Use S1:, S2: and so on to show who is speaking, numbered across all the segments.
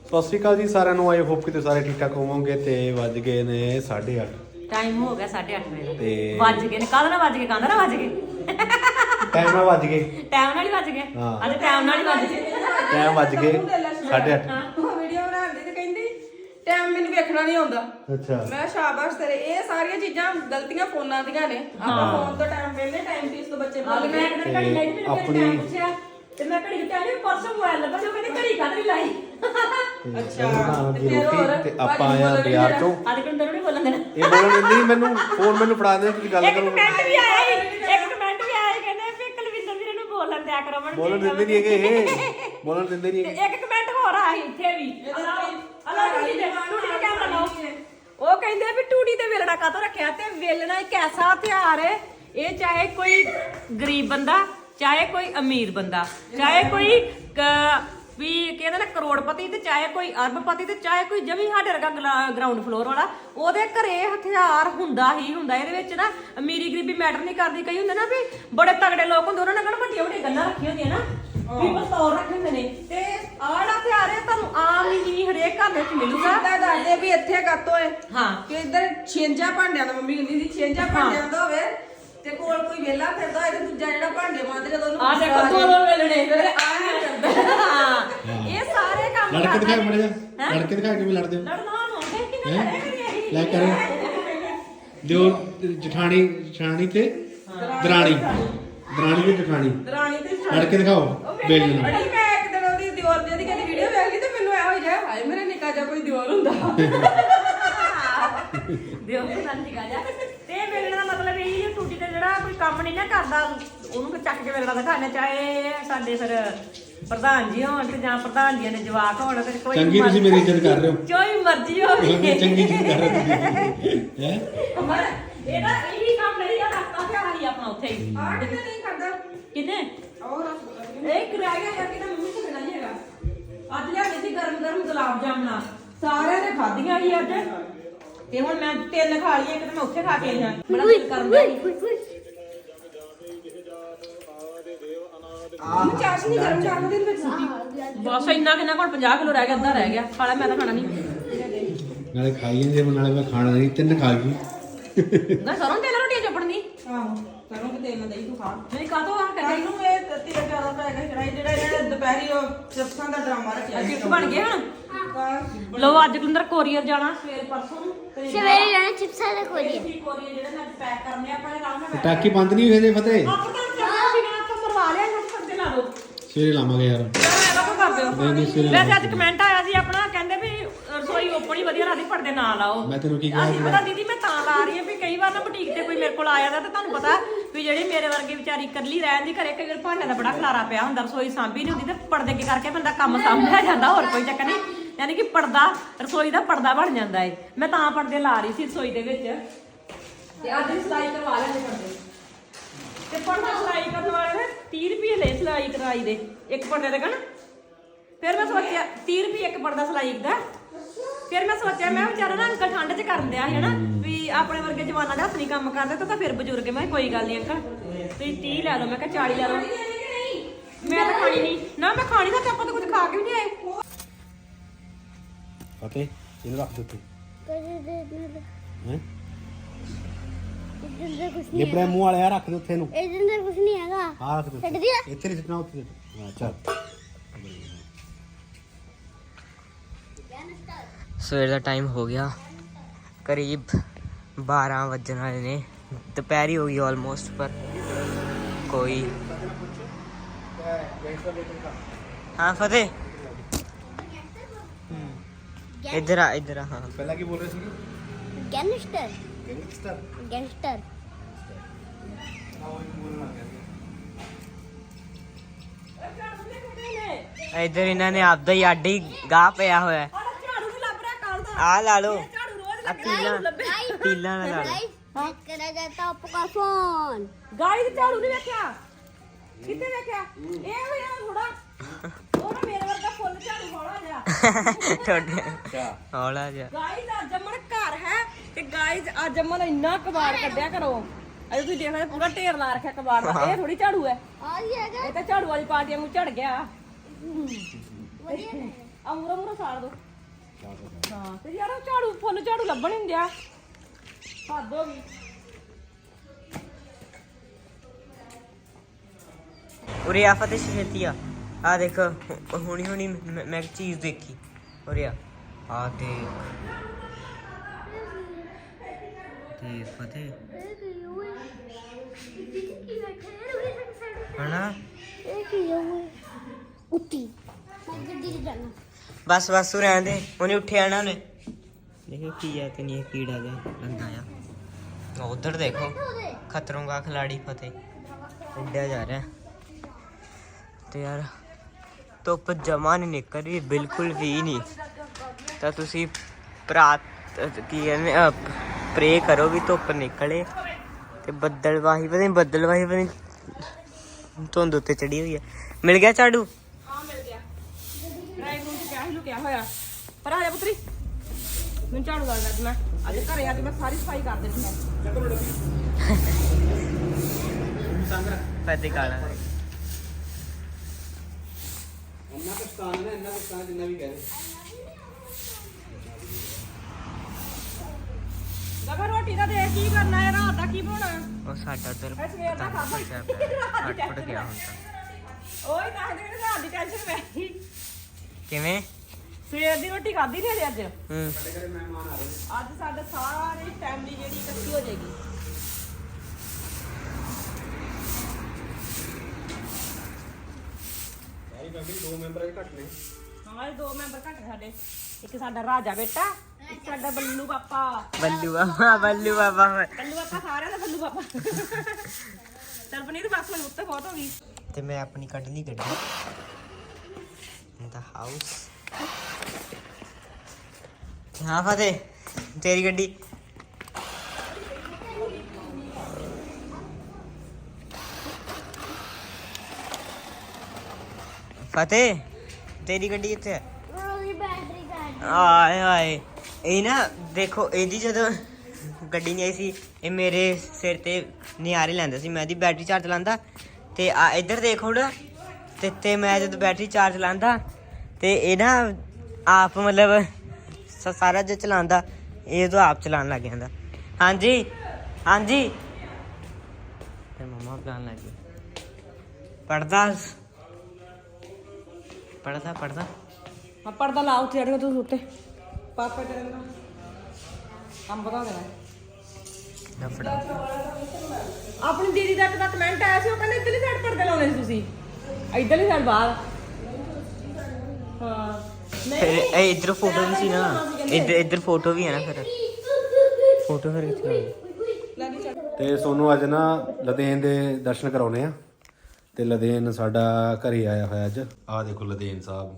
S1: ਸਤਿ ਸ਼੍ਰੀ ਅਕਾਲ ਜੀ ਸਾਰਿਆਂ ਨੂੰ। ਆਈ ਹੋਪ ਕਿ ਸਾਰੇ ਠੀਕ ਠਾਕ ਹੋਵੋਗੇ। ਤੇ ਵੱਜ ਗਏ ਨੇ 8:30।
S2: ਟਾਈਮ ਹੋ ਗਿਆ 8:30 ਵਜੇ
S1: ਤੇ
S2: ਵੱਜ ਗਏ ਨੇ। ਕਾਹਦਾ ਨਾ ਵੱਜ ਗਏ, ਕਾਹਦਾ ਨਾ ਵੱਜ ਗਏ,
S1: ਟਾਈਮ ਨਾਲ ਵੱਜ ਗਏ।
S2: ਟਾਈਮ ਨਾਲ ਹੀ ਵੱਜ ਗਏ।
S1: ਹਾਂ।
S2: ਅੱਜ ਟਾਈਮ ਨਾਲ ਹੀ ਵੱਜ ਗਏ।
S1: ਟਾਈਮ ਵੱਜ ਗਏ 8:30।
S3: ਵੀਡੀਓ ਬਣਾਉਂਦੀ ਤੇ ਕਹਿੰਦੀ ਟਾਈਮ ਮੈਨੂੰ ਵੇਖਣਾ ਨਹੀਂ ਆਉਂਦਾ।
S1: ਅੱਛਾ
S3: ਮੈਂ ਸ਼ਾਬਾਸ਼ ਤੇਰੇ। ਇਹ ਸਾਰੀਆਂ ਚੀਜ਼ਾਂ ਗਲਤੀਆਂ ਫੋਨਾਂ ਦੀਆਂ ਨੇ। ਆਪਾਂ ਫੋਨ ਤੋਂ ਟਾਈਮ ਵੇਲੇ ਟਾਈਮ ਪੀਸ ਤੋਂ ਬੱਚੇ
S2: ਮੈਂ
S3: ਬੋਲਦੇ
S2: ਇੱਕ ਦਿਨ ਘੜੀ ਲਾਈ, ਮੈਨੂੰ
S1: ਆਪਣੀ-
S2: ਟਾਈਮ ਪੁੱਛਿਆ ਤੇ ਮੈਂ ਘੜੀ ਕਹਿੰਦੀ ਪਰਸੋਂ ਮੋਬਾਈਲ ਲੱਭਾ, ਜੋ ਕਹਿੰਦੇ ਘੜੀ ਕਾਹਦੀ ਲਾਈ।
S1: ਬਣਾਉਣਗੀ ਰੋਟੀ ਤੇ ਆਪਾਂ ਆਇਆ ਬਾਜ਼ਾਰ ਤੋਂ।
S2: ਅੱਜ ਕਿੰਨੇ ਦਿਨ ਨਹੀਂ ਬੋਲਣ ਦੇਣਾ।
S1: ਇਹ ਬੋਲਣ ਦਿੰਦੀ ਨੀ ਮੈਨੂੰ। ਫੋਨ ਮੈਨੂੰ ਫੜਾ ਦੇ, ਤੁਸੀਂ ਗੱਲ
S2: ਇੱਕ
S1: ਕਰੋ।
S2: ਕਮੈਂਟ ਵੀ ਆਇਆ ਸੀ, ਇੱਕ ਕਮੈਂਟ ਵੀ ਆਇਆ, ਕਹਿੰਦੇ ਵੀ ਕੁਲਵਿੰਦਰ ਵੀਰੇ ਨੂੰ ਬੋਲਣ ਦਿਆ ਕਰੋ। ਮੈਂ
S1: ਬੋਲਣ ਦਿੰਦੇ ਨਹੀਂ ਹੈਗੇ ਇਹ। ਬੋਲਣ ਦਿੰਦੇ ਨਹੀਂ ਹੈਗੇ।
S2: ਇੱਕ ਕਮੈਂਟ ਹੋਰ ਆਇਆ ਸੀ ਇੱਥੇ ਵੀ। ਟੂਟੀ ਦੇ ਕੈਮਰਾ ਲਾਓ। ਉਹ ਕਹਿੰਦੇ ਵੀ ਟੂਟੀ ਤੇ ਵੇਲਣਾ ਕਾਹਤੋਂ ਰੱਖਿਆ? ਤੇ ਵੇਲਣਾ ਇੱਕ ਐਸਾ ਹਥਿਆਰ ਹੈ, ਇਹ ਚਾਹੇ ਕੋਈ ਗਰੀਬ ਬੰਦਾ, ਚਾਹੇ ਕੋਈ ਅਮੀਰ ਬੰਦਾ, ਚਾਹੇ ਕੋਈ ਵੀ ਕਹਿੰਦੇ ਨਾ ਕਰੋੜਪਤੀ, ਤੇ ਚਾਹੇ ਕੋਈ ਅਰਬਪਤੀ, ਤੇ ਚਾਹੇ ਕੋਈ ਜਮੀ ਸਾਡੇ ਵਰਗਾ ਗਰਾਊਂਡ ਫਲੋਰ ਵਾਲਾ, ਉਹਦੇ ਘਰੇ ਹਥਿਆਰ ਹੁੰਦਾ ਹੀ ਹੁੰਦਾ। ਇਹਦੇ ਵਿੱਚ ਨਾ ਅਮੀਰੀ ਗਰੀਬੀ ਮੈਟਰ ਨਹੀਂ ਕਰਦੀ। ਕਈ ਹੁੰਦੇ ਨਾ ਵੀ ਬੜੇ ਤਗੜੇ ਲੋਕ ਹੁੰਦੇ, ਉਹਨਾਂ ਨੇ ਕਹਿੰਦਾ ਵੱਡੀਆਂ ਵੱਡੀਆਂ ਗੱਲਾਂ ਰੱਖੀਆਂ ਹੁੰਦੀਆਂ ਨਾ, ਵੀ ਬਤੌਰ ਰੱਖੇ ਹੁੰਦੇ ਨੇ। ਤੇ ਆਹ ਜਿਹੜਾ ਹਥਿਆਰ ਹੈ ਤੁਹਾਨੂੰ ਆਮ ਹੀ ਹਰੇਕ ਘਰ ਵਿੱਚ ਮਿਲੂਗਾ।
S3: ਤਾਂ ਦੱਸਦੇ ਵੀ ਇੱਥੇ ਕੱਤੋ ਏ
S2: ਹਾਂ
S3: ਕਿ ਇੱਧਰ ਛੇਂਜਾ ਭਾਂਡਿਆਂ ਦਾ, ਮੰਮੀ ਕਹਿੰਦੀ ਸੀ ਛੇਂਜਾ ਭਾਂਡਿਆਂ ਦਾ ਹੋਵੇ ਤੇ ਕੋਲ ਕੋਈ ਵੇਲਾ ਫਿਰਦਾ ਹੋਏ ਤੇ ਦੂਜਾ ਜਿਹੜਾ ਭਾਂਡੇ ਮਾਂਜਦੇ ਜਦੋਂ ਉਹਨੂੰ
S2: ਆਹ ਦੇਖੋ ਦੋ ਵੇਲਣੇ।
S3: ਫਿਰ ਆ ਨਹੀਂ ਕਰਦਾ।
S2: ਹਾਂ ਇਹ ਸਾਰੇ ਕੰਮ
S1: ਲੜਕੇ ਦਿਖਾਏ
S2: ਕਰਦੇ।
S1: ਮੜੇ ਜਾ। ਲੜਕੇ ਦਿਖਾਏ ਕਿਵੇਂ ਲੜਦੇ ਹੋ?
S2: ਲੜਨਾ ਨੂੰ ਦੇਖ ਕੇ ਨਾ ਕਰੀਏ।
S1: ਲੈ ਕਰ ਦਿਓ। ਜਠਾਣੀ ਤੇ ਦਰਾਣੀ ਤੇ ਜਠਾਣੀ।
S3: ਦਰਾਣੀ ਤੇ
S1: ਲੜਕੇ ਦਿਖਾਓ ਬੇਲ ਨੂੰ।
S3: ਅੜੀ ਮੈਂ ਇੱਕ ਦਿਨ ਉਹਦੀ ਦਿਓਰ ਦੀ ਕਹਿੰਦੀ ਵੀਡੀਓ ਵੇਖ ਲਈ ਤੇ ਮੈਨੂੰ ਇਹੋ ਜਿਹਾ ਹਾਏ ਮੇਰੇ ਨਿੱਕਾ ਜਿਹਾ ਕੋਈ ਦਿਓਰ ਹੁੰਦਾ।
S2: ਦਿਓ ਤੇ ਸੰਤੀ ਗਾ ਜਾ। ਤੇ ਵੇਲਣੇ ਦਾ ਮਤਲਬ ਇਹ ਹੈ ਟੂਟੀ ਤੇ ਜਿਹੜਾ ਕੋਈ ਕੰਮ ਨਹੀਂ ਨਾ ਕਰਦਾ, ਉਹਨੂੰ ਚੱਕ ਕੇ ਵੇਲਣਾ ਦਿਖਾਣਾ। ਚਾਹੇ ਸਾਡੇ ਫਿਰ ਪ੍ਰਧਾਨ ਜੀ ਹੋਣ ਤੇ ਜਾਂ ਪ੍ਰਧਾਨ ਜੀਆਂ ਦੇ ਜਵਾਕ ਹੋਣ, ਤੇ ਕੋਈ
S1: ਚੰਗੀ ਤੁਸੀਂ ਮੇਰੀ ਇੱਜ਼ਤ ਕਰ ਰਹੇ ਹੋ।
S2: ਕੋਈ ਮਰਜ਼ੀ ਹੋਵੇ।
S1: ਚੰਗੀ ਚੀਜ਼ ਕਰ ਰਹੇ ਹੋ ਹੈ।
S2: ਪਰ ਇਹਦਾ ਇਹੀ ਕੰਮ ਨਹੀਂ ਆ, ਰੱਖਤਾ ਤੇ ਆਹੀ ਆਪਣਾ ਉੱਥੇ ਹੀ।
S3: ਆਹ ਕਿਤੇ ਨਹੀਂ ਕਰਦਾ
S2: ਕਿੰਨੇ
S3: ਔਰ
S2: ਇਹ ਕਿਰਾਇਆ ਜਾਂ ਕਿਤੇ ਮੰਮੀ ਤੋਂ ਮਿਲਣਾ ਨਹੀਂ ਹੈਗਾ। ਅੱਜ ਲਿਆਂਦੇ ਸੀ ਗਰਮ ਗਰਮ ਗੁਲਾਬ ਜਾਮਣਾ, ਸਾਰਿਆਂ ਨੇ ਖਾਧੀਆਂ ਸੀ ਅੱਜ। ਤੇ ਹੁਣ ਮੈਂ 3 ਖਾ ਲਈਆਂ, ਇੱਕ ਤਾਂ ਮੈਂ ਉੱਥੇ ਖਾ ਕੇ ਆਈ ਹਾਂ। ਬੜਾ ਦਿਲ ਕਰਦਾ
S3: ਚਾਸ਼ ਨਹੀਂ ਗਰਮ ਕਰਨ ਦੇ ਵਿੱਚ ਸੁੱਟੀ।
S2: ਬਸ ਇੰਨਾ ਕਿੰਨਾ ਕੋਲ 50 ਕਿਲੋ ਰਹਿ ਗਿਆ, ਅੱਧਾ ਰਹਿ ਗਿਆ। ਖਾ ਲੈ, ਮੈਂ ਤਾਂ ਖਾਣਾ ਨਹੀਂ।
S1: ਨਾਲੇ ਖਾਈ ਜਾਂਦੇ ਨਾਲੇ ਮੈਂ ਖਾਣਾ ਨਹੀਂ। 3 ਖਾ ਗਈ।
S2: ਨਾ ਸਰੋਂ ਤੇਲ ਰੋਟੀਆਂ ਚਪੜਨੀ
S3: ਆਹੋ ਕਰੋ ਕਿ ਤੇਲ ਨਾ ਦੇਈ ਤੂੰ ਖਾ।
S2: ਨਹੀਂ ਕਾਹਤੋਂ ਆ ਕਹਿੰਦੇ
S3: ਇਹਨੂੰ ਇਹ ਤੇਲ ਜ਼ਿਆਦਾ ਪੈ ਗਿਆ ਜਿਹੜਾ ਇਹਨੇ ਦੁਪਹਿਰੀ ਉਹ ਚਿਪਸਾਂ ਦਾ ਡਰਾਮਾ ਰੱਖਿਆ।
S2: ਚਿਪਸ ਬਣ ਗਏ ਹੁਣ। ਲੋ ਅੱਜ ਕੁਲਿੰਦਰ ਕੋਰੀਅਰ ਜਾਣਾ ਸਵੇਰ ਪਰਸੋਂ ਨੂੰ। ਤੇ
S4: ਸਵੇਰੇ ਜਾਣਾ ਚਿਪਸਾਂ ਦਾ ਕੋਰੀਅਰ।
S2: ਕੋਰੀਅਰ ਜਿਹੜੇ ਮੈਂ ਪੈਕ ਕਰਨੇ ਆਪਾਂ ਨੇ ਆਰਾਮ ਨਾਲ
S1: ਟਾਕੀ ਬੰਦ ਨਹੀਂ ਹੋਏ ਜੇ ਫਤਿਹ।
S2: ਆਪਾਂ ਤਾਂ ਚੱਲਣਾ ਸੀ ਨਾ, ਆਪਾਂ ਮਰਵਾ ਲਿਆ ਇਹਨਾਂ ਨੂੰ। ਲਾ ਦੋ
S1: ਸਵੇਰੇ ਲਾਵਾਂਗੇ ਯਾਰ।
S2: ਵੈਸੇ ਅੱਜ ਕਮੈਂਟ ਆਇਆ ਸੀ ਆਪਣਾ, ਕਹਿੰਦੇ ਵੀ ਰਸੋਈ ਓਪਨ ਹੀ ਵਧੀਆ ਲੱਗਦੀ, ਪਰਦੇ ਨਾ ਲਾਓ।
S1: ਮੈਂ ਤੈਨੂੰ ਕੀ ਕਿਹਾ
S2: ਅਸੀਂ ਪਤਾ ਦੀਦੀ ਮੈਂ ਤਾਂ ਲਾ ਰਹੀ ਹਾਂ ਵੀ ਕਈ ਵਾਰ ਨਾ ਬੁਟੀਕ ਤੇ ਕੋਈ ਮੇਰੇ ਕੋਲ ਆ ਜਾਂਦਾ, ਤੇ ਤੁਹਾਨੂੰ ਪਤਾ ਵੀ ਜਿਹੜੀ ਮੇਰੇ ਵਰਗੀ ਵਿਚਾਰੀ ਇਕੱਲੀ ਰਹਿਣ ਦੀ ਘਰੇ, ਕਈ ਵਾਰ ਭਾਂਡਿਆਂ ਦਾ ਬੜਾ ਖਲਾਰਾ ਪਿਆ ਹੁੰਦਾ, ਰਸੋਈ ਸਾਂਭੀ ਨਹੀਂ ਹੁੰਦੀ, ਤੇ ਪਰਦੇ ਕੀ ਕਰਕੇ ਬੰਦਾ ਕੰਮ ਸਾਂਭਿਆ ਜਾਂਦਾ, ਹੋਰ ਕੋਈ ਚੱਕਰ ਨਹੀਂ। ਯਾਨੀ ਕਿ ਪਰਦਾ ਰਸੋਈ ਦਾ ਪਰਦਾ ਬਣ ਜਾਂਦਾ ਏ। ਮੈਂ ਤਾਂ ਪਰਦੇ ਲਾ ਰਹੀ ਸੀ ਰਸੋਈ ਦੇ ਵਿੱਚ, ਤੇ ਅੱਜ ਹੀ ਸਿਲਾਈ ਕਰਵਾ ਲੈਣੇ ਪਰਦੇ। ਤੇ ਪਰਦਾ ਸਿਲਾਈ ਕਰਨ ਵਾਲੇ ਨੇ 30 ਰੁਪਏ ਲਏ ਸਿਲਾਈ ਕਰਾਈ ਦੇ ਇੱਕ ਪਰਦੇ ਦੇ ਕਣ। ਫਿਰ ਮੈਂ ਸੋਚਿਆ 30 ਰੁਪਏ ਇੱਕ ਪਰਦਾ ਸਿਲਾਈ ਦਾ। ਫਿਰ ਮੈਂ ਸੋਚਿਆ ਮੈਂ ਵਿਚਾਰਾ ਨਾ ਅੰਕਲ ਠੰਡ 'ਚ ਕਰਨ ਦਿਆ ਸੀ ਹਨਾ, ਵੀ ਆਪਣੇ ਵਰਗੇ ਜਵਾਨਾਂ ਦੇ ਹੱਥ ਨਹੀਂ ਕੰਮ ਕਰਦੇ, ਤਾਂ ਫਿਰ ਬਜ਼ੁਰਗ। ਮੈਂ ਕਿਹਾ ਕੋਈ ਗੱਲ ਨਹੀਂ ਅੰਕਲ, ਤੁਸੀਂ 30 ਲੈ ਲਓ। ਮੈਂ ਕਿਹਾ 40 ਲੈ ਲਓ। ਮੈਂ ਤਾਂ ਖਾਣੀ ਨਹੀਂ ਨਾ, ਮੈਂ ਖਾਣੀ ਤਾਂ ਆਪਾਂ ਤਾਂ ਕੁਝ ਖਾ ਕੇ ਵੀ ਨਹੀਂ ਆਏ।
S1: ਫਤਿਹ ਇਹਨੂੰ ਰੱਖ ਦਿੱਤੇ ਹੈ। ਲਿਬੜੇ ਮੂੰਹ ਵਾਲੇ ਆ ਰੱਖ ਦੇ ਉੱਥੇ ਨੂੰ।
S4: ਇਹਦੇ ਅੰਦਰ ਕੁਝ ਨਹੀਂ ਹੈਗਾ।
S1: ਹਾਂ ਰੱਖ ਦੇ
S4: ਛੱਡ ਦਿਆ।
S1: ਇੱਥੇ ਨਹੀਂ ਸਿੱਟਣਾ, ਉੱਥੇ ਸਿੱਟ। ਹਾਂ ਚੱਲ।
S5: ਸਵੇਰ ਦਾ ਟਾਈਮ ਹੋ ਗਿਆ, ਕਰੀਬ 12 ਵੱਜਣ ਵਾਲੇ ਨੇ। ਦੁਪਹਿਰੀ ਹੋ ਗਈ ਆਲਮੋਸਟ, ਪਰ ਕੋਈ। ਹਾਂ ਫਤਿਹ ਇੱਧਰ ਆ, ਇੱਧਰ ਆ। ਹਾਂ
S1: ਪਹਿਲਾਂ ਕੀ ਬੋਲ ਰਹੇ ਸੀ?
S4: Gangster
S1: gangster.
S4: ਗੈਂਗਸਟਰ।
S5: ਇੱਧਰ ਇਹਨਾਂ ਨੇ ਆਪਦਾ ਹੀ ਅੱਡ ਹੀ ਗਾਹ ਪਿਆ ਹੋਇਆ।
S2: ਝਾੜੂ ਨਹੀਂ ਲੱਭ ਰਿਹਾ ਕੱਲ ਦਾ।
S5: ਆ ਲਾ ਲਓ,
S2: ਝਾੜੂ ਰੋਜ਼
S5: ਆ ਪੀਲਾਂ ਨਾਲ ਲਾ ਲਓ।
S4: चेक करा जाता आपका फोन।
S2: ਗਾਇਸ ਝਾੜੂ ਨਹੀਂ ਵੇਖਿਆ, ਕਿੱਥੇ ਵੇਖਿਆ? ਇਹ ਹੋਇਆ ਥੋੜਾ ਉਹ ਨਾ ਮੇਰੇ ਵਰਗਾ ਫੁੱਲ ਝਾੜੂ ਹੌਲਾ ਜਿਹਾ।
S5: ਤੁਹਾਡੇ ਹੌਲਾ ਜਿਹਾ।
S2: ਗਾਇਸ ਅੱਜ ਅਮਨ ਘਰ ਹੈ, ਤੇ ਗਾਇਸ ਅੱਜ ਅਮਨ ਇੰਨਾ ਕਬਾੜ ਕੱਢਿਆ ਕਰੋ। ਅਜੇ ਤੁਸੀਂ ਦੇਖਦੇ ਪੂਰਾ ਢੇਰ ਲਾ ਰੱਖਿਆ ਕਬਾੜ ਦਾ। ਇਹ ਥੋੜੀ ਝਾੜੂ ਹੈ,
S4: और ये है
S2: ਇਹ ਤਾਂ ਝਾੜੂ ਵਾਲੀ ਪਾਰਟੀ ਨੂੰ ਝੜ ਗਿਆ। ਮੂਰਾ ਮੂਰਾ ਸਾੜ ਦੋ ਹਾਂ ਤੇ ਯਾਰ ਉਹ ਝਾੜੂ ਫੁੱਲ ਝਾੜੂ ਲੱਭਣ ਨਹੀਂ ਦਿਆ ਹੱਦ ਹੋ ਗਈ
S5: ਉਰੇ ਆ ਫਤਿਹ ਛੇਤੀ ਆ ਦੇਖ ਹੁਣੀ ਮੈਂ ਇੱਕ ਚੀਜ਼ ਦੇਖੀ ਉਰੇ ਆ ਦੇਖ ਫਤਿਹ ਹਨਾ
S4: ਉੱਤੀ ਮੈਂ ਗੱਡੀ ਤੇ ਜਾਣਾ
S5: ਬਸ ਤੂੰ ਰਹਿਣ ਦੇ ਉਹਨੇ ਉੱਠਿਆ ਨਾ ਉਹਨੇ ਦੇਖੋ ਕੀ ਆ ਤੇ ਨਹੀਂ ਕੀੜਾ ਜਿਹਾ ਲੰਦਾ ਆ ਉਧਰ ਦੇਖੋ ਖਤਰੋਂ ਦਾ ਖਿਲਾੜੀ ਫਤਿਹ ਉੱਡਿਆ ਜਾ ਰਿਹਾ ਤੇ ਯਾਰ ਧੁੱਪ ਜਮਾ ਨਹੀਂ ਨਿਕਲ ਰਹੀ ਬਿਲਕੁਲ ਵੀ ਨਹੀਂ ਤਾਂ ਤੁਸੀਂ ਕੀ ਕਹਿੰਦੇ ਪ੍ਰੇ ਕਰੋ ਵੀ ਧੁੱਪ ਨਿਕਲੇ ਤੇ ਬੱਦਲਵਾਹੀ ਪਤਾ ਧੁੰਦ ਉੱਤੇ ਚੜੀ ਹੋਈ ਹੈ ਮਿਲ ਗਿਆ ਝਾੜੂ
S2: ਹਾਂ ਮਿਲ ਗਿਆ ਰਾਈਟ ਨੂੰ ਕਿਹਾ ਹੀ ਲੁਕਿਆ ਹੋਇਆ ਪਰ ਆ ਜਾ ਪੁੱਤਰੀ ਮੈਨੂੰ ਝਾੜੂ ਲਾ ਅੱਜ ਮੈਂ ਅੱਜ ਘਰੇ ਆ ਕੇ ਮੈਂ ਸਾਰੀ ਸਫਾਈ ਕਰ ਦੇਣੀ ਹੈ
S5: ਫਤਿਹ ਕਾਲਾ
S1: ਇੰਨਾ ਕੁਛ ਤਾਂ ਜਿੰਨਾ ਵੀ ਕਹੇ
S2: ਲਗਾ ਰੋਟੀ ਦਾ ਦੇਖ ਕੀ ਕਰਨਾ ਹੈ ਰਾਤ ਦਾ ਕੀ ਬਣਾਉਣਾ
S5: ਉਹ ਸਾਡਾ ਉਧਰ
S2: ਇਹ ਸਵੇਰ ਦਾ ਖਾਧਾ
S5: ਫਟ ਗਿਆ ਹੁਣ ਤਾਂ
S2: ਓਏ ਤਾਂ ਦੇ ਰਾਤ ਦੀ ਟੈਨਸ਼ਨ ਪੈ ਗਈ
S5: ਕਿਵੇਂ
S2: ਸਵੇਰ ਦੀ ਰੋਟੀ ਖਾਧੀ ਨਹੀਂ ਅੱਜ
S5: ਹੂੰ
S2: ਅੱਜ ਸਾਡੇ ਸਾਰੀ ਫੈਮਿਲੀ ਜਿਹੜੀ ਇਕੱਠੀ ਹੋ ਜਾਏਗੀ
S1: ਸਾਰੀ ਫੈਮਿਲੀ 2 ਮੈਂਬਰ ਘੱਟ ਨੇ
S2: ਹਾਂ ਇਹ 2 ਮੈਂਬਰ ਘੱਟ ਸਾਡੇ ਇੱਕ ਸਾਡਾ ਰਾਜਾ ਬੇਟਾ ਇੱਕ ਸਾਡਾ ਬੱਲੂ ਪਾਪਾ
S5: ਬੱਲੂ ਬਾਬਾ
S2: ਬੱਲੂ ਪਾਪਾ ਸਾਰਿਆਂ ਦਾ ਬੱਲੂ ਪਾਪਾ ਤਰਪਨੀ ਤੇ ਬਸ ਮੈਨੂੰ ਉੱਤੇ ਬਹੁਤ ਹੋ ਗਈ
S5: ਤੇ ਮੈਂ ਆਪਣੀ ਕੱਢ ਲਈ ਗੱਡੀ ਇਨ ਦਾ ਹਾਊਸ ਹਾਂ ਫਤਿਹ ਤੇਰੀ ਗੱਡੀ ਫਤਿਹ ਤੇਰੀ ਗੱਡੀ ਕਿੱਥੇ ਹੈ
S4: ਉਹਦੀ ਬੈਟਰੀ ਘੱਟ
S5: ਆਏ ਇਹ ਨਾ ਦੇਖੋ ਇਹਦੀ ਜਦੋਂ ਗੱਡੀ ਨਹੀਂ ਆਈ ਸੀ ਇਹ ਮੇਰੇ ਸਿਰ ਤੇ ਨਿਆਰੇ ਲੈਂਦਾ ਸੀ ਮੈਂ ਇਹਦੀ ਬੈਟਰੀ ਚਾਰਜ ਲਾਂਦਾ ਤੇ ਆ ਇੱਧਰ ਦੇਖ ਹੁਣ ਤੇ ਮੈਂ ਜਦੋਂ ਬੈਟਰੀ ਚਾਰਜ ਲਾਂਦਾ ਤੇ ਇਹ ਨਾ ਆਪ ਮਤਲਬ ਸਾਰਾ ਜੋ ਚਲਾਉਂਦਾ ਇਹ ਤਾਂ ਆਪ ਚਲਾਉਣ ਲੱਗ ਜਾਂਦਾ ਹਾਂਜੀ ਤੇ ਮਮਾ ਪਲਾਨ ਲੱਗ ਗਈ ਪੜਦਾ
S2: ਆ ਪਰਦਾ ਲਾ ਉੱਥੇ ਅੜੀਆਂ ਤੂੰ ਉੱਤੇ ਪਾਪਾ ਤੇਰੇ ਨਾਲ ਕੰਮ ਬਤਾ ਦੇਣਾ
S5: ਨਫੜਾ
S2: ਆਪਣੀ ਦੀਦੀ ਦਾ ਇੱਕ ਕਮੈਂਟ ਆਇਆ ਸੀ ਉਹ ਕਹਿੰਦੇ ਇੱਧਰਲੀ ਸਾਈਡ ਪਰਦੇ ਲਾਉਣੇ ਸੀ ਤੁਸੀਂ ਇੱਧਰਲੀ ਸਾਈਡ ਬਾਹਰ ਹਾਂ
S5: ਫਿਰ ਇਹ ਇੱਧਰ ਫੋਟੋ ਵੀ ਸੀ ਨਾ ਇੱਧਰ ਫੋਟੋ ਵੀ ਹੈ ਨਾ ਫਿਰ ਫੋਟੋ ਫਿਰ ਕਿੱਥੇ
S1: ਤੇ ਸੋਨੂੰ ਅੱਜ ਨਾ ਲਦੇਨ ਦੇ ਦਰਸ਼ਨ ਕਰਾਉਣੇ ਆ ਤੇ ਲਦੇਨ ਸਾਡਾ ਘਰੇ ਆਇਆ ਹੋਇਆ ਅੱਜ ਆਹ ਦੇਖੋ ਲਦੇਨ ਸਾਹਿਬ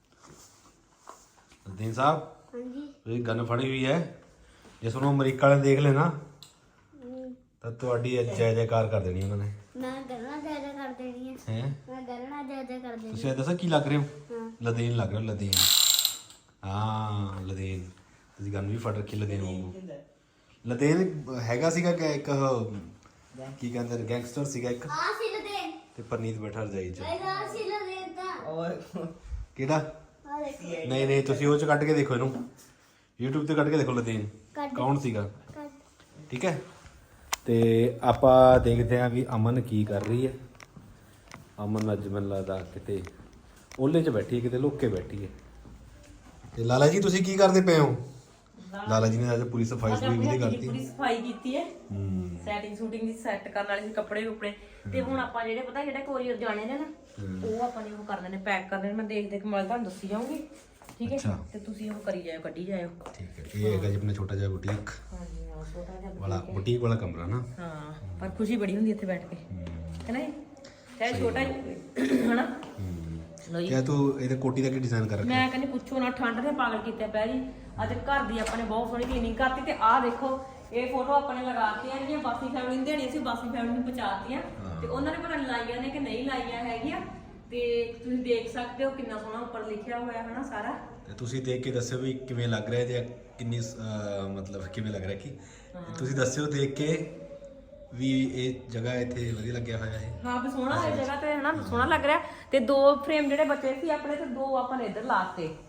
S4: ਹਾਂਜੀ
S1: ਇਹ ਗਨ ਫੜੀ ਹੋਈ ਹੈ ਜੇ ਤੁਹਾਨੂੰ ਅਮਰੀਕਾ ਵਾਲੇ ਦੇਖ ਲੈਣਾ ਤਾਂ ਤੁਹਾਡੀ ਜੈ ਜੈਕਾਰ ਕਰ ਦੇਣੀ ਉਹਨਾਂ ਨੇ
S4: ਮੈਂ ਗਰਨਾ ਜ਼ਿਆਦਾ ਕਰ ਦੇਣੀ ਹੈ ਮੈਂ ਗਰਨਾ ਜ਼ਿਆਦਾ ਕਰ ਦੇਣੀ
S1: ਤੁਸੀਂ ਇਹ ਦੱਸੋ ਕੀ ਲੱਗ ਰਹੇ ਹੋ ਲਦੇਨ ਲੱਗ ਰਹੇ ਹੋ ਲਦੇਨ ਹਾਂ ਲਦੇਨ ਤੁਸੀਂ ਗਨ ਵੀ ਫੜ ਰੱਖੀ ਲਦੇਨ ਵਾਂਗੂ ਲਦੇਨ ਹੈਗਾ ਸੀਗਾ ਕਿ ਇੱਕ ਕੀ ਕਹਿੰਦੇ ਨੇ ਗੈਂਗਸਟਰ ਸੀਗਾ ਇੱਕ
S4: ਆ ਸੀ ਲਦੇ
S1: ਤੇ ਪਰਨੀਤ ਬੈਠਾ ਰਜਾਈ ਚ
S4: ਆ ਸੀ ਲਦੇ ਤਾਂ
S5: ਔਰ
S1: ਕਿਹੜਾ
S4: ਆ ਦੇਖੋ
S1: ਨਹੀਂ ਤੁਸੀਂ ਉਹ ਚ ਕੱਢ ਕੇ ਦੇਖੋ ਇਹਨੂੰ YouTube ਤੇ ਕੱਢ ਕੇ ਦੇਖੋ ਲਦੇਨ
S4: ਕੱਢ।
S1: ਕੌਣ ਸੀਗਾ
S4: ਕੱਟ
S1: ਠੀਕ ਹੈ ਤੇ ਆਪਾਂ ਦੇਖਦੇ ਹਾਂ ਵੀ ਅਮਨ ਕੀ ਕਰ ਰਹੀ ਹੈ ਅਮਨ ਅੱਜ ਮੈਨੂੰ ਲੱਗਦਾ ਕਿਤੇ ਓਲੇ 'ਚ ਬੈਠੀ ਹੈ ਕਿਤੇ ਲੁੱਕ ਕੇ ਬੈਠੀ ਹੈ ਤੇ ਲਾਲਾ ਜੀ ਤੁਸੀਂ ਕੀ ਕਰਦੇ ਪਏ ਹੋ ਲਾਲਾ ਜੀ ਨੇ ਅੱਜ ਪੂਰੀ ਸਫਾਈ ਵੀ ਕਰਤੀ
S2: ਪੂਰੀ ਸਫਾਈ ਕੀਤੀ ਹੈ ਸੈਟਿੰਗ ਸ਼ੂਟਿੰਗ ਦੀ ਸੈੱਟ ਕਰਨ ਵਾਲੇ ਸੀ ਕੱਪੜੇ ਕੁਪੜੇ ਤੇ ਹੁਣ ਆਪਾਂ ਜਿਹੜੇ ਪਤਾ ਜਿਹੜੇ ਕੋਰੀਅਰ ਜਾਣੇ ਨੇ ਨਾ ਉਹ ਆਪਾਂ ਨੇ ਉਹ ਕਰਨੇ ਨੇ ਪੈਕ ਕਰਨੇ ਨੇ ਮੈਂ ਦੇਖ ਦੇਖ ਮੈਂ ਤੁਹਾਨੂੰ ਦੱਸੀ ਜਾਊਂਗੀ ਠੀਕ ਹੈ ਤੇ ਤੁਸੀਂ ਉਹ ਕਰੀ ਜਾਇਓ ਕੱਢੀ ਜਾਇਓ
S1: ਠੀਕ ਹੈ ਇਹ ਹੈਗਾ ਜੀ ਆਪਣਾ ਛੋਟਾ ਜਿਹਾ ਬੁਟੀਕ
S2: ਹਾਂਜੀ ਹਾਂ ਛੋਟਾ ਜਿਹਾ
S1: ਵਾਲਾ ਬੁਟੀਕ ਵਾਲਾ ਕਮਰਾ ਨਾ
S2: ਹਾਂ ਪਰ ਖੁਸ਼ੀ ਬੜੀ ਹੁੰਦੀ ਇੱਥੇ ਬੈਠ ਕੇ ਹੈ ਨਾ ਜੀ? ਚਾਹੇ ਛੋਟਾ ਹੀ ਹਨਾ ਲੋ ਜੀ
S1: ਕਿਆ ਤੂੰ ਇਹਦੇ ਕੋਟੀ ਦਾ ਕੀ ਡਿਜ਼ਾਈਨ ਕਰ ਰੱਖਿਆ
S2: ਮੈਂ ਕਹਿੰਦੀ ਪੁੱਛੋ ਨਾ ਠੰਡ ਨੇ ਪਾਗਲ ਕੀਤਾ ਪਿਆ ਜੀ ਅੱਜ ਘਰ ਦੀ ਆਪਾਂ ਨੇ ਬਹੁਤ ਸੋਹਣੀ ਕਲੀਨਿੰਗ ਕਰਤੀ ਤੇ ਆਹ ਦੇਖੋ ਇਹ ਫੋਟੋ ਆਪਾਂ ਨੇ ਲਗਾਤੀਆਂ ਜਿਹੜੀਆਂ ਬਾਸੀ ਫੈਮਿਲੀ ਨੂੰ ਦੇਣੀਆਂ ਸੀ ਬਾਸੀ ਫੈਮਿਲੀ ਨੂੰ ਪਹੁੰਚਾਤੀਆਂ ਤੇ ਉਹਨਾਂ ਨੇ ਪਤਾ ਨਹੀਂ ਲਾਈਆਂ ਨੇ ਕਿ ਨਹੀਂ ਲਾਈਆਂ ਹੈਗੀਆਂ ਤੇ ਤੁਸੀਂ ਦੇਖ ਸਕਦੇ ਹੋ ਕਿੰਨਾ ਸੋਹਣਾ ਉੱਪਰ ਲਿਖਿਆ ਹੋਇਆ ਹੈ ਨਾ ਸਾਰਾ
S1: ਤੇ ਤੁਸੀਂ ਦੇਖ ਕੇ ਦੱਸਿਓ ਵੀ ਕਿਵੇਂ ਲੱਗ ਰਿਹਾ ਤੇ ਕਿੰਨੀ ਮਤਲਬ ਕਿਵੇਂ ਲੱਗ ਰਿਹਾ ਕਿ ਤੁਸੀਂ ਦੱਸਿਓ ਦੇਖ ਕੇ ਵੀ ਇਹ ਜਗ੍ਹਾ ਇੱਥੇ ਵਧੀਆ ਲੱਗਿਆ ਹੋਇਆ ਹੈ
S2: ਹਾਂ ਵੀ ਸੋਹਣਾ ਹੈ ਜਗ੍ਹਾ ਤੇ ਹਨਾ ਸੋਹਣਾ ਲੱਗ ਰਿਹਾ ਤੇ 2 ਫਰੇਮ ਜਿਹੜੇ ਬਚੇ ਸੀ ਆਪਣੇ ਤੇ 2 ਆਪਾਂ ਨੇ ਇੱਧਰ ਲਾਤੇ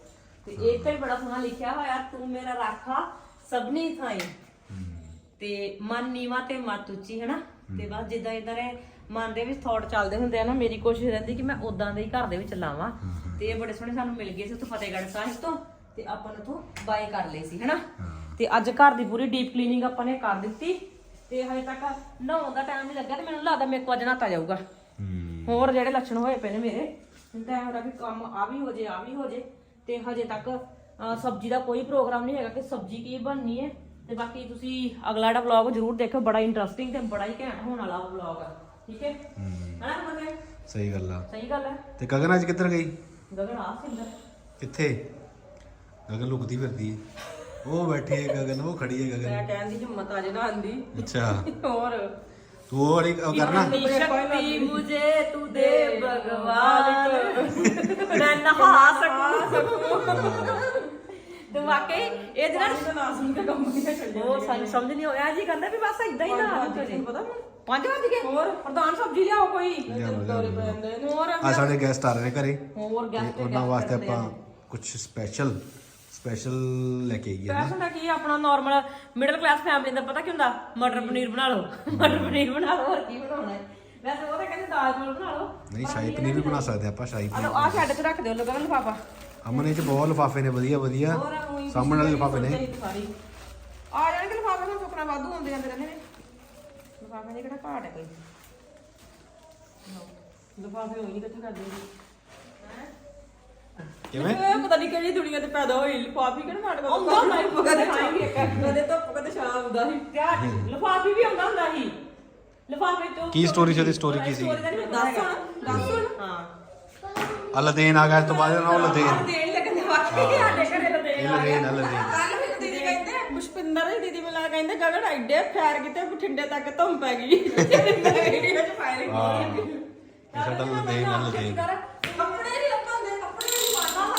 S2: ਤੇ ਇਹ ਤੇ ਬੜਾ ਸੋਹਣਾ ਲਿਖਿਆ ਹੋਇਆ, ਤੂੰ ਮੇਰਾ ਰਾਖਾ ਸਭਨੀ ਥਾਈ, ਤੇ ਮਨ ਨੀਵਾ ਤੇ ਮਤ ਉੱਚੀ, ਹਨਾ। ਤੇ ਬਸ ਜਿੱਦਾਂ ਇਦਾਂ ਦੇ ਮਨ ਦੇ ਵਿੱਚ ਥੌਟ ਚੱਲਦੇ ਹੁੰਦੇ ਆ ਨਾ, ਮੇਰੀ ਕੋਸ਼ਿਸ਼ ਰਹਿੰਦੀ ਕਿ ਮੈਂ ਉਦਾਂ ਦੇ ਹੀ ਘਰ ਦੇ ਵਿੱਚ ਲਾਵਾਂ। ਤੇ ਇਹ ਬੜੇ ਸੋਹਣੇ ਸਾਨੂੰ ਮਿਲ ਗਏ ਸੀ ਉੱਥੋਂ ਫਤਿਹਗੜ੍ਹ ਸਾਹਿਬ ਤੋਂ, ਤੇ ਆਪਾਂ ਨੇ ਉੱਥੋਂ ਬਾਏ ਕਰ ਲਏ ਸੀ, ਹਨਾ। ਤੇ ਅੱਜ ਘਰ ਦੀ ਪੂਰੀ ਡੀਪ ਕਲੀਨਿੰਗ ਆਪਾਂ ਨੇ ਕਰ ਦਿੱਤੀ, ਤੇ ਹਜੇ ਤੱਕ ਨਹਾਉਣ ਦਾ ਟਾਈਮ ਨਹੀਂ ਲੱਗਾ, ਤੇ ਮੈਨੂੰ ਲੱਗਦਾ ਮੇਰੇ ਕੋਲ ਅੱਜ ਨਹਾਤਾ ਜਾਊਗਾ। ਹੋਰ ਜਿਹੜੇ ਲੱਛਣ ਹੋਏ ਪਏ ਨੇ ਮੇਰੇ, ਤਾਂ ਇਹ ਹੋ ਰਿਹਾ ਵੀ ਕੰਮ ਆ ਵੀ ਹੋ ਜੇ, ਆ ਵੀ ਹੋ ਜੇ। ਤੇ ਹਜੇ ਤੱਕ ਸਬਜ਼ੀ ਦਾ ਕੋਈ ਪ੍ਰੋਗਰਾਮ ਨਹੀਂ ਹੈਗਾ ਕਿ ਸਬਜ਼ੀ ਕੀ ਬਣਨੀ ਹੈ। ਤੇ ਬਾਕੀ ਤੁਸੀਂ ਅਗਲਾ ਜਿਹੜਾ ਵਲੌਗ ਜ਼ਰੂਰ ਦੇਖੋ, ਬੜਾ ਇੰਟਰਸਟਿੰਗ ਤੇ ਬੜਾ ਹੀ ਘੈਂਟ ਹੋਣ ਵਾਲਾ ਵਲੌਗ ਆ, ਠੀਕ ਹੈ ਹਨਾ ਮਤਲਬ।
S1: ਸਹੀ ਗੱਲ ਆ,
S2: ਸਹੀ ਗੱਲ ਹੈ।
S1: ਤੇ ਗਗਨ ਅੱਜ ਕਿੱਧਰ ਗਈ?
S2: ਗਗਨ ਆ ਸਿੰਦਰ
S1: ਕਿੱਥੇ? ਗਗਨ ਲੁਕਦੀ ਫਿਰਦੀ ਹੈ, ਉਹ ਬੈਠੀ ਹੈ ਗਗਨ, ਉਹ ਖੜੀ ਹੈ ਗਗਨ।
S3: ਮੈਂ ਕਹਿਣ ਦੀ ਹਿੰਮਤ ਆ ਜੇ ਨਾ ਆਂਦੀ।
S1: ਅੱਛਾ
S3: ਹੋਰ
S1: ਤੂੰ ਉਹ ਵਾਲੀ ਉਹ ਕਰਨਾ,
S2: शक्ति मुझे तू दे भगवान, मैं नहा सकूं। ਤੇ ਵਾਕਈ ਇਹ ਜਿਹੜਾ
S3: ਨਾ ਸੁਣ ਕੇ ਕੰਮ ਨਹੀਂ ਚੱਲ
S2: ਉਹ ਸਾਨੂੰ ਸਮਝ ਨਹੀਂ ਹੋਇਆ ਜੀ, ਕਹਿੰਦਾ ਵੀ ਬਸ ਇਦਾਂ ਹੀ ਨਾ
S3: ਪਤਾ
S2: 5 ਵਜ ਗਏ।
S3: ਹੋਰ
S2: ਪ੍ਰਧਾਨ ਸਬਜ਼ੀ ਲਿਆਓ ਕੋਈ।
S3: ਹੋਰ
S1: ਆ ਸਾਡੇ ਗੈਸਟ ਆ ਰਹੇ ਨੇ ਘਰੇ,
S2: ਹੋਰ
S1: ਤੇ
S2: ਗੈਸਟ
S1: ਉਹਨਾਂ ਵਾਸਤੇ ਆਪਾਂ ਕੁਝ ਸਪੈਸ਼ਲ ਲੈ ਕੇ ਆਈਏ ਨਾ।
S2: ਪੈਸਾ ਦਾ ਕੀ ਆਪਣਾ ਨਾਰਮਲ ਮਿਡਲ ਕਲਾਸ ਫੈਮਿਲੀ ਦਾ ਪਤਾ ਕੀ ਹੁੰਦਾ, ਮਟਰ ਪਨੀਰ ਬਣਾ ਲਓ, ਮਟਰ ਪਨੀਰ ਬਣਾ ਲਓ, ਹੋਰ ਕੀ ਬਣਾਉਣਾ ਹੈ। ਵੈਸੇ ਉਹ ਤਾਂ ਕਹਿੰਦੇ ਦਾਲ ਚੌਲ ਬਣਾ ਲਓ।
S1: ਨਹੀਂ ਸ਼ਾਹੀ ਪਨੀਰ ਵੀ ਬਣਾ ਸਕਦੇ ਆਪਾਂ, ਸ਼ਾਹੀ ਪਨੀਰ।
S2: ਆ ਛੱਡ ਕੇ ਰੱਖ ਦਿਓ ਲੋਕਾਂ ਨੂੰ ਲਿਫਾਫਾ।
S1: ਅਮਨ ਇਹ ਚ ਬਹੁਤ ਲਿਫਾਫੇ ਨੇ, ਵਧੀਆ ਵਧੀਆ ਸਾਹਮਣੇ ਵਾਲੇ ਲਿਫਾਫੇ ਨੇ।
S2: ਆ ਜਾਣਗੇ ਲਿਫਾਫੇ ਨੂੰ ਚੁੱਕਣਾ ਵਾਧੂ ਹੁੰਦੇ ਜਾਂਦੇ ਰਹਿੰਦੇ ਨੇ, ਲਿਫਾਫੇ ਦੇ ਕਿਹੜਾ ਘਾਟ ਹੈ ਕੋਈ।
S3: ਲਿਫਾਫੇ ਹੋਈ ਕਿੱਥੇ ਕਰਦੇ ਜੀ?
S1: ਕਿਵੇਂ?
S3: ਪਤਾ ਨਹੀਂ ਕਿਹੜੀ ਦੁਨੀਆ ਤੇ ਪੈਦਾ ਹੋਈ, ਲਿਫਾਫੀ ਕਿਹੜਾ ਮਾੜਾ
S2: ਆਉਂਦਾ ਹੁੰਦਾ ਸੀ,
S3: ਕਦੇ ਖਾਏਂਗੇ ਕਦੇ ਧੁੱਪ ਕਦੇ ਛਾਂ ਆਉਂਦਾ ਸੀ।
S2: ਲਿਫਾਫੇ ਵੀ ਆਉਂਦਾ ਹੁੰਦਾ ਸੀ, ਲਿਫਾਫੇ ਤੋਂ
S1: ਕੀ ਸਟੋਰੀ ਸੀ ਉਹਦੀ? ਸਟੋਰੀ ਕੀ ਸੀ?
S3: ਦੱਸ ਹੁਣ
S2: ਹਾਂ
S1: ਆ ਲਦੇਨ ਆ ਗਿਆ, ਇਸ ਤੋਂ ਬਾਅਦ ਨਾ ਉਹ ਲਦੇਨ,
S2: ਦੇਣ ਲੱਗਣ ਦੇ ਵਾਕਈ ਸਾਡੇ ਘਰੇ ਤਾਂ
S1: ਇਹ ਲਦੇਨ ਆ ਲਦੇਨ।
S3: ਕੱਲ ਫਿਰ ਦੀਦੀ ਕਹਿੰਦੇ ਪੁਸ਼ਪਿੰਦਰ ਦੀ ਦੀਦੀ ਮੈਨੂੰ ਕਹਿੰਦੇ ਗਗਨ ਐਡੇ ਫੈਰ ਕਿਤੇ ਬਠਿੰਡੇ ਤੱਕ ਧੁੰਮ ਪੈ ਗਈ। ਵੀਡੀਓ ਚ ਫਾਇਰਿੰਗ
S1: ਹਾਂ ਇਹ ਸਾਡਾ ਲਦੇਨ ਆ ਲਦੇਨ।
S3: ਕੱਪੜੇ ਨਹੀਂ ਲੱਭਾਂਦੇ, ਕੱਪੜੇ ਨਹੀਂ ਪਾਣਾ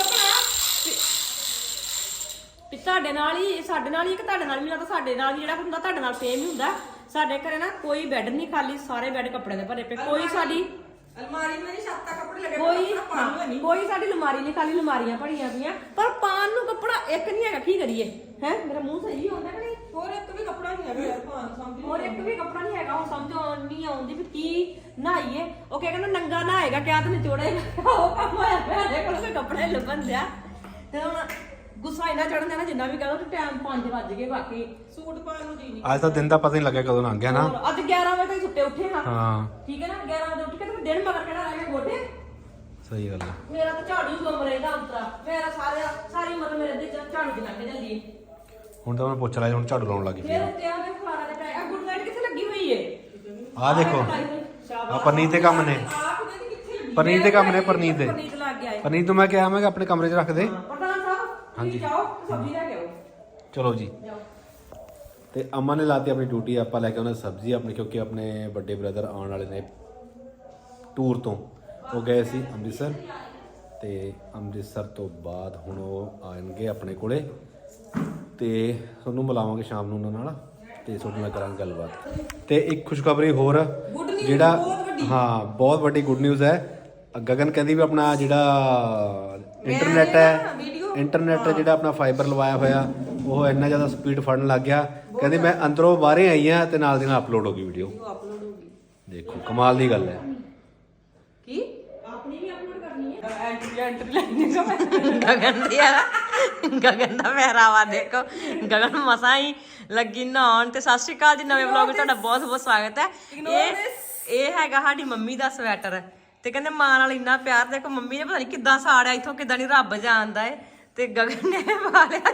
S2: ਵੀ ਤੁਹਾਡੇ ਨਾਲ ਹੀ, ਸਾਡੇ ਨਾਲ ਹੀ, ਕਿ ਤੁਹਾਡੇ ਨਾਲ ਵੀ ਲੱਗਦਾ, ਸਾਡੇ ਨਾਲ ਵੀ ਜਿਹੜਾ ਹੁੰਦਾ ਤੁਹਾਡੇ ਨਾਲ ਸੇਮ ਹੀ ਹੁੰਦਾ। ਸਾਡੇ ਘਰੇ ਨਾ ਕੋਈ ਬੈੱਡ ਨਹੀਂ ਖਾਲੀ, ਸਾਰੇ ਬੈੱਡ ਕੱਪੜੇ ਦੇ ਭਰੇ ਪਏ। ਕੋਈ ਸਾਡੀ
S3: ਅਲਮਾਰੀ ਮੇਰੀ ਛੱਤ ਤੱਕ ਕੱਪੜੇ ਲੱਗੇ
S2: ਕੋਈ ਸਾਡੀ ਅਲਮਾਰੀ ਨਹੀਂ ਖਾਲੀ, ਅਲਮਾਰੀਆਂ ਭਰੀਆਂ ਪਈਆਂ, ਪਰ ਪਾਣ ਨੂੰ ਕੱਪੜਾ ਇੱਕ ਨਹੀਂ ਹੈਗਾ। ਕੀ ਕਰੀਏ ਹੈ? ਮੇਰਾ ਮੂੰਹ ਸਹੀ ਹੁੰਦਾ ਕਿ ਨਹੀਂ?
S3: ਹੋਰ ਇੱਕ ਵੀ ਕੱਪੜਾ ਨਹੀਂ ਹੈਗਾ ਯਾਰ, ਭਾਂ ਸਮਝ
S2: ਹੋਰ ਇੱਕ ਵੀ ਕੱਪੜਾ ਨਹੀਂ ਹੈਗਾ। ਉਹ ਸਮਝ ਨਹੀਂ ਆਉਂਦੀ ਵੀ ਕੀ ਨਹਾਈਏ। ਉਹ ਕਹਿੰਦਾ ਨੰਗਾ ਨਹਾਏਗਾ ਕਿਆ ਤੇ ਨਿਚੋੜੇਗਾ, ਉਹ ਕੰਮ ਹੋਇਆ ਪਿਆ ਦੇ ਕੋਲ ਕੋਈ ਕੱਪੜੇ ਲੱਭਣ ਦਿਆ। ਤੇ ਹੁਣ ਗੁੱਸਾ ਇੰਨਾ ਚੜਨ ਦੇਣਾ ਜਿੰਨਾ ਵੀ ਕਹੋ, ਤੇ ਟਾਈਮ 5 ਵੱਜ ਗਏ। ਬਾਕੀ
S3: ਸੂਟ ਪਾਉਣ ਨੂੰ ਜੀ ਨਹੀਂ।
S1: ਅੱਜ ਤਾਂ ਦਿਨ ਦਾ ਪਤਾ ਨਹੀਂ ਲੱਗਿਆ ਕਦੋਂ ਲੰਘ ਗਿਆ ਨਾ।
S2: ਹੋਰ ਅੱਜ 11 ਵਜੇ ਤੱਕ ਸੁੱਤੇ ਉੱਠੇ ਹਾਂ।
S1: ਹਾਂ
S2: ਠੀਕ ਹੈ ਨਾ, 11 ਵਜੇ ਉੱਠ ਕੇ ਤੇ ਦਿਨ ਮਗਰ ਕਿਹੜਾ ਰਹਿ ਗਿਆ ਗੋਡੇ।
S1: ਸਹੀ ਗੱਲ ਹੈ।
S2: ਮੇਰਾ ਤਾਂ ਝਾੜੂ ਗੁੰਮ ਰਹਿੰਦਾ ਉਤਰਾ, ਮੇਰਾ ਸਾਰੀ ਮਤਲਬ ਮੇਰੇ ਦੇ ਝਾੜੂ ਦੀ ਲੰਘ ਜਾਂਦੀ ਹੈ।
S1: ਹੁਣ ਤਾਂ ਮੈਂ ਪੁੱਛ ਲਿਆ, ਹੁਣ ਝਾੜੂ ਲਾਉਣ ਲੱਗੀ
S2: ਫਿਰ
S1: ਪਈ।
S2: ਉੱਤੇ ਆ ਕੇ ਫਲਾਣਾ ਦਾ ਟਾਈਮ ਗੁੱਡ ਨਾਈਟ ਕਿੱਥੇ ਲੱਗੀ ਹੋਈ ਏ?
S1: ਆ ਦੇਖੋ ਆ ਪਰਨੀਤ ਦੇ ਕੰਮ ਨੇ, ਪਰਨੀਤ ਦੇ ਕੰਮ ਨੇ, ਪਰਨੀਤ ਦੇ।
S2: ਪਰਨੀਤ ਲੱਗ ਗਿਆ ਏ।
S1: ਪਰਨੀਤ ਨੂੰ ਮੈਂ ਕਿਹਾ ਮੈਂ ਕਿ ਆਪਣੇ ਕਮਰੇ 'ਚ ਰੱਖ ਦੇ।
S2: ਪ੍ਰਧਾਨ ਸਾਹਿਬ ਹਾਂਜੀ ਜਾਓ ਸਬਜ਼ੀ ਲੈ ਕੇ ਆਓ।
S1: ਚਲੋ ਜੀ। ਤੇ ਅਮਨ ਨੇ ਲਾਤੀ ਆਪਣੀ ਡਿਊਟੀ, ਆਪਾਂ ਲੈ ਕੇ ਆਉਣਾ ਸਬਜ਼ੀ ਆਪਣੀ, ਕਿਉਂਕਿ ਆਪਣੇ ਵੱਡੇ ਬ੍ਰਦਰ ਆਉਣ ਵਾਲੇ ਨੇ ਟੂਰ ਤੋਂ। ਉਹ ਗਏ ਸੀ ਅੰਮ੍ਰਿਤਸਰ, ਤੇ ਅੰਮ੍ਰਿਤਸਰ ਤੋਂ ਬਾਅਦ ਹੁਣ ਉਹ ਆਣਗੇ ਆਪਣੇ ਕੋਲੇ, ਤੇ ਤੁਹਾਨੂੰ ਮਿਲਾਵਾਂਗੇ ਸ਼ਾਮ ਨੂੰ ਉਹਨਾਂ ਨਾਲ, ਤੇ ਤੁਹਾਡੇ ਨਾਲ ਕਰਾਂਗੇ ਗੱਲਬਾਤ। ਤੇ ਇੱਕ ਖੁਸ਼ਖਬਰੀ ਹੋਰ, ਜਿਹੜਾ ਹਾਂ ਬਹੁਤ ਵੱਡੀ ਗੁੱਡ ਨਿਊਜ਼ ਹੈ। ਗਗਨ ਕਹਿੰਦੀ ਵੀ ਆਪਣਾ ਜਿਹੜਾ ਇੰਟਰਨੈਟ ਹੈ, ਇੰਟਰਨੈਟ ਜਿਹੜਾ ਆਪਣਾ ਫਾਈਬਰ ਲਵਾਇਆ ਹੋਇਆ, ਉਹ ਇੰਨਾ ਜ਼ਿਆਦਾ ਸਪੀਡ ਫੜਨ ਲੱਗ ਗਿਆ। ਕਹਿੰਦੀ ਮੈਂ ਅੰਦਰੋਂ ਬਾਹਰੇ ਆਈ ਆ ਤੇ ਨਾਲ ਦੀ ਨਾਲ ਅਪਲੋਡ ਹੋ ਗਈ ਵੀਡੀਓ। ਦੇਖੋ ਕਮਾਲ ਦੀ ਗੱਲ ਹੈ।
S2: ਕੀ ਆਪਣੀ ਵੀ ਅਪਲੋਡ ਕਰਨੀ ਹੈ?
S3: ਐਂਟਰੀ ਲਾਈਨ
S5: ਗਗਨ ਦੀ ਯਾਰ, ਗਗਨ ਦਾ ਪਹਿਰਾਵਾ ਦੇਖੋ। ਗਗਨ ਮਸਾਂ ਹੀ ਲੱਗੀ ਨਹਾਉਣ। ਤੇ ਸਤਿ ਸ਼੍ਰੀ ਅਕਾਲ ਜੀ, ਨਵੇਂ ਵਲੌਗ ਵਿੱਚ ਤੁਹਾਡਾ ਬਹੁਤ ਬਹੁਤ ਸਵਾਗਤ ਹੈ। ਇਹ ਹੈਗਾ ਸਾਡੀ ਮੰਮੀ ਦਾ ਸਵੈਟਰ, ਤੇ ਕਹਿੰਦੇ ਮਾਂ ਨਾਲ ਇੰਨਾ ਪਿਆਰ। ਦੇਖੋ ਮੰਮੀ ਨੇ ਪਤਾ ਨਹੀਂ ਕਿੱਦਾਂ ਸਾੜਿਆ, ਇੱਥੋਂ ਕਿੱਦਾਂ ਨਹੀਂ ਰੱਬ ਜਾਣਦਾ ਏ, ਤੇ ਗਗਨ ਨੇ ਪਾ ਲਿਆ।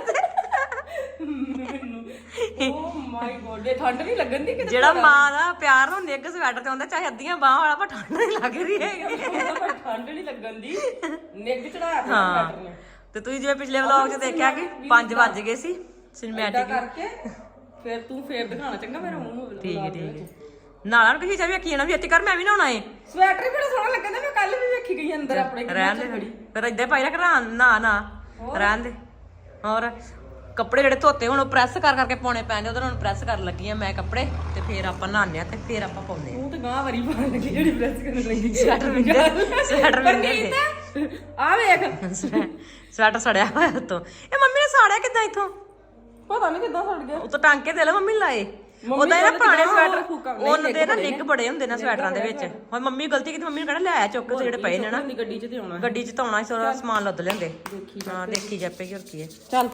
S3: ਓ ਮਾਈ ਗੋਡ, ਇਹ ਠੰਡ ਨਹੀਂ ਲੱਗਣ ਦੀ ਕਿਤੇ।
S5: ਜਿਹੜਾ ਮਾਂ ਦਾ ਪਿਆਰ ਨੂੰ ਨਿੱਘ ਸਵੈਟਰ ਤੇ ਹੁੰਦਾ, ਚਾਹੇ ਅੱਧੀਆਂ ਬਾਹਾਂ ਵਾਲਾ, ਪਰ ਠੰਡ ਨਹੀਂ ਲੱਗ ਰਹੀ ਹੈਗੀ।
S3: ਠੰਡ ਨਹੀਂ ਲੱਗਣ ਦੀ, ਨਿੱਘ ਚੜਾਇਆ ਪਿਆ
S5: ਹਾਂ
S3: ਬੈਟਰ ਨੇ।
S5: ਤੇ ਤੁਸੀਂ ਜਿਵੇਂ ਪਿਛਲੇ ਵਲੌਗ 'ਚ ਦੇਖਿਆ ਕਿ 5 ਵੱਜ ਗਏ ਸੀ ਸਿਨੇਮੈਟਿਕ
S3: ਕਰਕੇ ਫਿਰ ਤੂੰ ਫੇਰ ਦਿਖਾਣਾ ਚੰਗਾ ਮੇਰੇ ਮੂੰਹ ਨੂੰ।
S5: ਠੀਕ ਹੈ ਠੀਕ ਹੈ। ਨਾਲਾਂ ਨੂੰ ਕਿਸੇ ਚਾਹੀ ਵੇਖੀ ਜਾਣਾ ਵੀ ਇੱਥੇ ਕਰ, ਮੈਂ ਵੀ ਨਹਾਉਣਾ ਏ।
S3: ਸਵੈਟਰ ਹੀ ਬੜਾ ਸੋਹਣਾ ਲੱਗਦਾ, ਮੈਂ ਕੱਲ ਵੀ ਵੇਖੀ ਗਈ ਅੰਦਰ ਆਪਣੇ।
S5: ਰਹਿਣ ਦੇ ਫਿਰ ਏਦਾਂ ਪਾਈ ਰੱਖ ਨਾ ਨਾ ਰਹਿਣ ਦੇ। ਹੋਰ
S2: ਕੱਪੜੇ ਜਿਹੜੇ ਧੋਤੇ ਹੁਣ ਪ੍ਰੈਸ ਕਰ ਕਰਕੇ ਪਾਉਣੇ ਪੈਂਦੇ ਉਹਦੇ ਨਾਲ ਪ੍ਰੈਸ ਕਰਨ ਲੱਗੀ ਆ ਮੈਂ ਕੱਪੜੇ ਤੇ ਫਿਰ ਆਪਾਂ ਨਹਾਉਂਦੇ ਆ ਤੇ ਫਿਰ ਆਪਾਂ ਪਾਉਂਦੇ ਆ
S3: ਉਹ ਤੇ ਗਾਂ ਵਾਰੀ ਪਾਣ ਲੱਗੀ ਜਿਹੜੀ ਪ੍ਰੈਸ ਕਰਨ ਲੱਗੀ
S2: ਸਵੈਟਰ ਵਿੰਗੇ
S3: ਆ ਵੇਖ
S2: ਸਵੈਟਰ ਸੜਿਆ ਹੋਇਆ ਉਤੋਂ ਇਹ ਮੰਮੀ ਨੇ ਸਾੜਿਆ ਕਿੱਦਾਂ ਇਥੋਂ
S3: ਪਤਾ ਨਹੀਂ ਕਿੱਦਾਂ ਸੜ ਗਿਆ
S2: ਉਹ ਤਾਂ ਟਾਂਕੇ ਦੇ ਲੈ ਮੰਮੀ ਨੇ ਲਾਏ ਉਹਦਾ ਇਹਨਾਂ ਪੁਰਾਣੇ ਸਵੈਟਰ ਉਹਨਾਂ ਦੇ ਨਾ ਨਿੱਘ ਬੜੇ ਹੁੰਦੇ ਨੇ ਸਵੈਟਰਾਂ ਦੇ ਵਿੱਚ ਹੁਣ ਮੰਮੀ ਗਲਤੀ ਕੀਤੀ ਮੰਮੀ ਨੂੰ ਕਹਿਣਾ ਲੈ ਚੁੱਕ ਤੇ ਜਿਹੜੇ ਪਏ ਨੇ ਨਾ
S3: ਗੱਡੀ 'ਚ ਤੇ ਆਉਣਾ
S2: ਗੱਡੀ 'ਚ ਧੋਣਾ ਸਾਰਾ ਸਮਾਨ ਲੱਦ ਲੈਂਦੇ ਹਾਂ ਦੇਖੀ ਜਾਪੇਗੀ ਹੋਰ ਕੀ ਹੈ
S3: ਚੱਲ